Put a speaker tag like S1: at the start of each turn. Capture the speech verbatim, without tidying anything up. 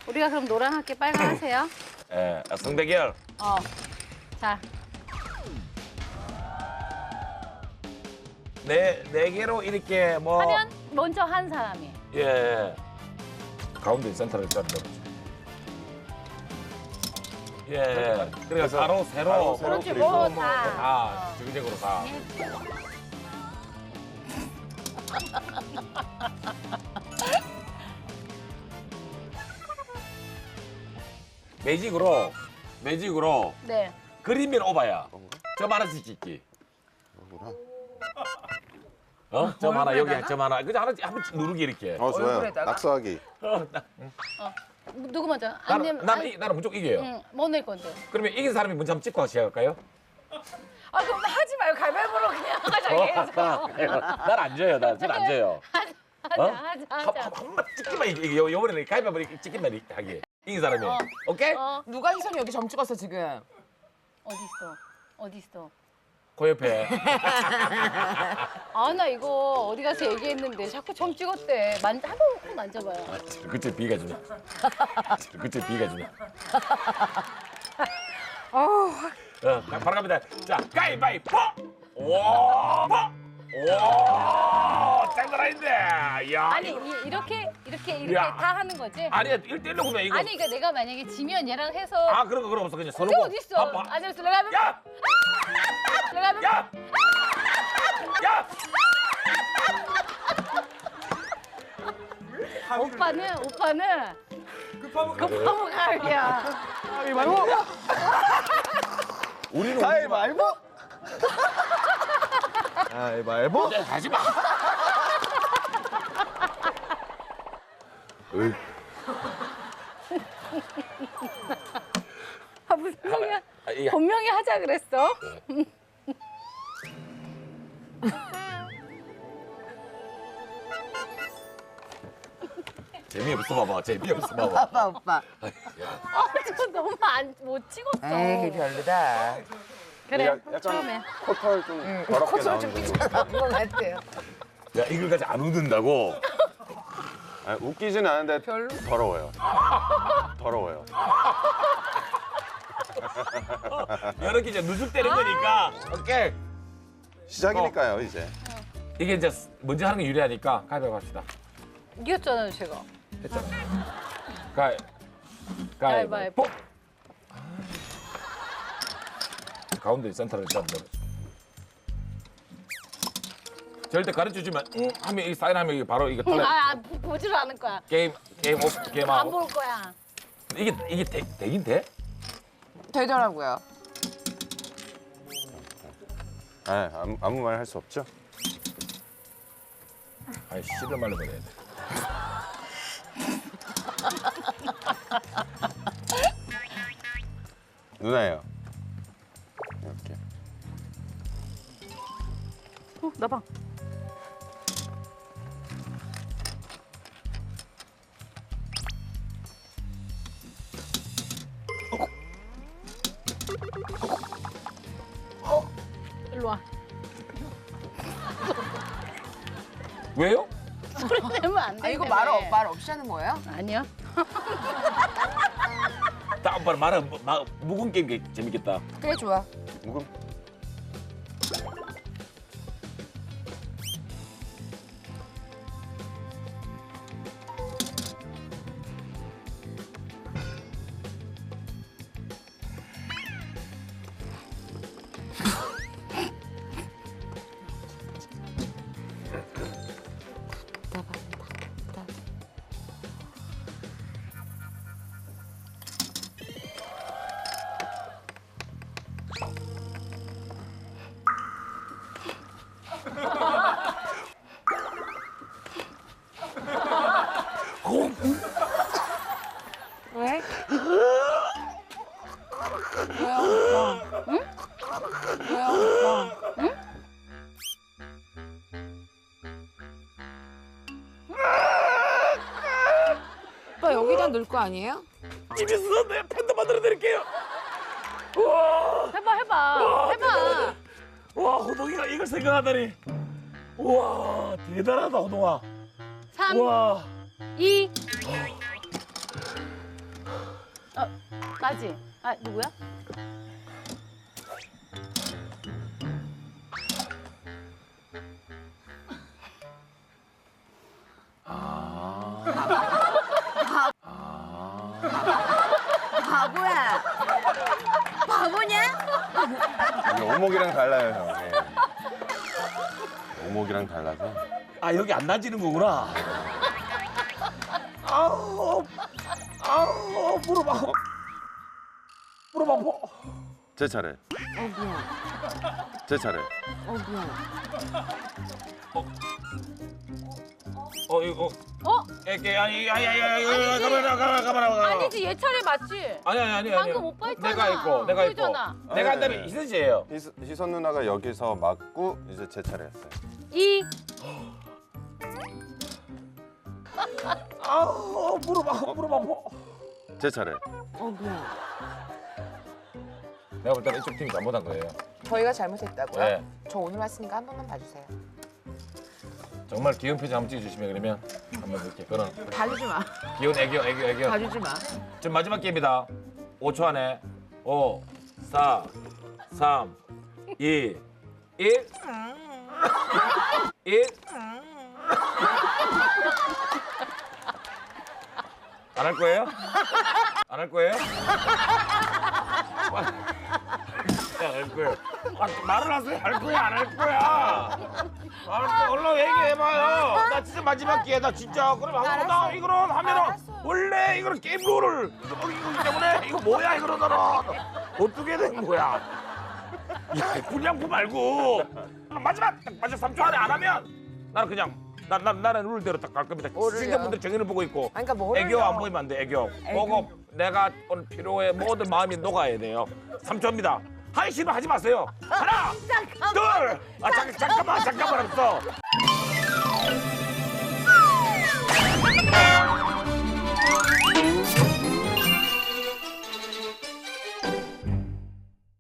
S1: 우리가 그럼 노랑 할게 빨강 하세요.
S2: 예, 성대결.
S1: 어. 자,
S2: 네, 네 개로 이렇게 뭐.
S1: 하면 먼저 한 사람이.
S2: 예. 가운데 센터를 짠다. 예. 그러니까 가로, 세로,
S3: 가로, 세로,
S1: 그렇지,
S3: 그리고
S1: 뭐
S3: 뭐
S1: 다.
S2: 다 정적으로 다. 매직으로, 매직으로
S1: 네.
S2: 그림면 오바야. 점 하나씩 찍기. 어? 점 하나 여기 점 하나. 그냥 하나씩 한 번씩 누르기 이렇게.
S3: 어 좋아요.
S4: 얼굴에다가?
S3: 낙서하기.
S2: 어, 나,
S1: 누구 먼저? 안
S2: 나는,
S1: 되면
S2: 나는, 이- 나는 무조건 이겨요.
S1: 응, 뭐 낼 건데?
S2: 그러면 이긴 사람이 먼저 한번 찍고 시작할까요?
S1: 아 그럼 하지 말고 가위바위보로 그냥 하자 계속.
S2: 난안 져요. 난안 져요.
S1: 하자,
S2: 어?
S1: 하자,
S2: 한,
S1: 하자.
S2: 한, 한번 찍기만 이게 요- 요번에는 가위바위보 이렇게 찍기만 이렇게 하기. 이긴 사람이.
S1: 어.
S2: 오케이?
S1: 어,
S4: 누가 희선이 여기 점 찍었어 지금?
S1: 어디 있어? 어디 있어?
S2: 그 옆에.
S1: 아 나 이거 어디 가서 얘기했는데 자꾸 점 찍었대. 만 한번 만져봐요.
S2: 그치 비가 주네. 그치 비가 주네.
S1: 어,
S2: 어, 바로 갑니다. 자, 가위바위보! 오! 오! 장난 아닌데. 야.
S1: 아니 이, 이렇게 이렇게 이렇게
S2: 야.
S1: 다 하는 거지?
S2: 아니야, 일 대일로 그러면 이거.
S1: 아니 그러니까 내가 만약에 지면 얘랑 해서
S2: 아, 그런 거 그런 거 없어. 그냥 서로.
S1: 근데 어디 있어?
S2: 봐, 봐.
S1: 아니 들어가면
S2: 야!
S1: 들어가면
S2: 야! 야!
S1: 오빠는 오빠는 급하면 가을이야.
S2: 우리는
S3: 가위바위보. 가위바위보.
S2: 우리- 하지 마. 으이.
S1: 아 무슨 소리야?
S2: 아, 이게
S1: 분명히 하자 그랬어.
S2: 재미없어 봐봐. 재미없어 봐봐.
S4: 오빠 오빠.
S1: 아, 저 너무 안 못 찍었어.
S4: 에이 별로다.
S1: 그래
S3: 약간
S1: 처음에.
S3: 코털 좀 더럽게 나오는 정도.
S4: 한번 할게요.
S2: 야, 이걸 가지고 안 웃는다고?
S3: 아니, 웃기지는 않은데
S4: 별로?
S3: 더러워요. 더러워요.
S2: 이렇게 이제 누죽대는 거니까. 오케이.
S3: 시작이니까요 이제.
S2: 이게 이제 먼저 하는 게 유리하니까 가위바위보 합시다.
S1: 이겼잖아요 제가.
S2: 했잖아. 가위.
S1: 가위바위보.
S2: 가위바위보. 가운데 센터를 잡는 거. 절대 가르쳐 주면 응 하면 이 사인하면 이게 바로 이게 탈락.
S1: 아, 아 보- 보지를 않을 거야.
S2: 게임 게임 오프 게임
S1: 안
S2: 아웃.
S1: 볼 거야.
S2: 이게 이게 되, 되긴 돼?
S4: 되더라고요.
S3: 아, 아무, 아무 말 할 수 없죠.
S2: 아이 씨를 말로 그래야 돼.
S3: 누나예요. 이렇게.
S1: 어, 나 봐. 어, 일로 와.
S2: 왜요?
S1: 소리 내면 안 돼.
S4: 아 이거 말, 없- 말 없이 하는 거예요?
S1: 아니야.
S2: 다음번에 말은 뭐- 마, 묵은 게임 게 재밌겠다.
S4: 그래 좋아.
S3: 묵음.
S4: 왜? 왜요? 오빠? 응? 왜요? 오빠? 응? 오빠 여기다 넣을 거 아니에요?
S2: 집에서 내 팬도 만들어 드릴게요. 우와,
S1: 해봐, 해봐, 해봐.
S2: 와 호동이가 이걸 생각하다니. 우와 대단하다 호동아.
S1: 삼,
S2: 우와.
S1: 이, 나지? 아 누구야?
S4: 바보야. 바보냐?
S3: 이게 오목이랑 달라요, 형. 예. 오목이랑 달라서.
S2: 아 여기 안 나지는 거구나. 아우 아우 무릎 아파. 무릎 아파.
S3: 제 차례.
S4: 어 미안.
S3: 제 차례.
S4: 어 미안.
S2: 어 이거
S1: 어?
S2: 이게 아니 아니 아니 아니 가만히 가만히 가만히
S1: 아니지 얘 차례 맞지?
S2: 아니 아니 아니 아니
S1: 방금 오빠 했잖아.
S2: 내가 있고 내가 있고
S1: 보이잖아.
S2: 내가
S3: 네.
S2: 한다면 희선 씨예요.
S3: 희선, 희선 누나가 여기서 맞고 이제 제 차례였어요.
S1: 이
S2: 아우 무릎 아파 무릎 아파.
S3: 제 차례.
S4: 어 미안.
S2: 내가 볼 때는 이쪽 팀이 잘못한 거예요.
S4: 저희가 잘못했다고요?
S2: 네.
S4: 저 오늘 왔으니까 한 번만 봐주세요.
S2: 정말 귀여운 표정 한번 찍어주시면 그러면 한번 볼게요. 그럼
S4: 봐주지 마.
S2: 귀여운 애교 애교 애교.
S4: 봐주지 마.
S2: 지금 마지막 게임이다. 오 초 안에 오, 사, 삼, 이, 일, 일. 안 할 거예요? 안 할 거예요? 안 할 거예요. 아, 말을 하세요. 할 거야, 안 할 거야. 안 할 거야. 얼른 얘기해봐요. 나 진짜 마지막 기회다, 진짜. 그럼 하고 나 이거는 하면은
S4: 알았어.
S2: 원래 이거는 게임 룰을 어기기 때문에 이거 뭐야 이거는 너는 어떻게 된 거야? 야, 불량품 말고 아, 마지막 딱 마지막 삼 초 안에 안 하면 나는 그냥 나, 나, 나는 룰대로 딱 갈 겁니다.
S4: 뭐를요?
S2: 시청자분들 정의를 보고 있고
S4: 아니, 그러니까 뭐를요?
S2: 애교 안 보이면 안 돼. 애교. 보고 내가 오늘 필요해 모든 마음이 녹아야 돼요. 삼 초입니다. 하기 싫으면 하지 마세요. 하나, 둘, 아 잠깐 잠깐만 잠깐만 없어.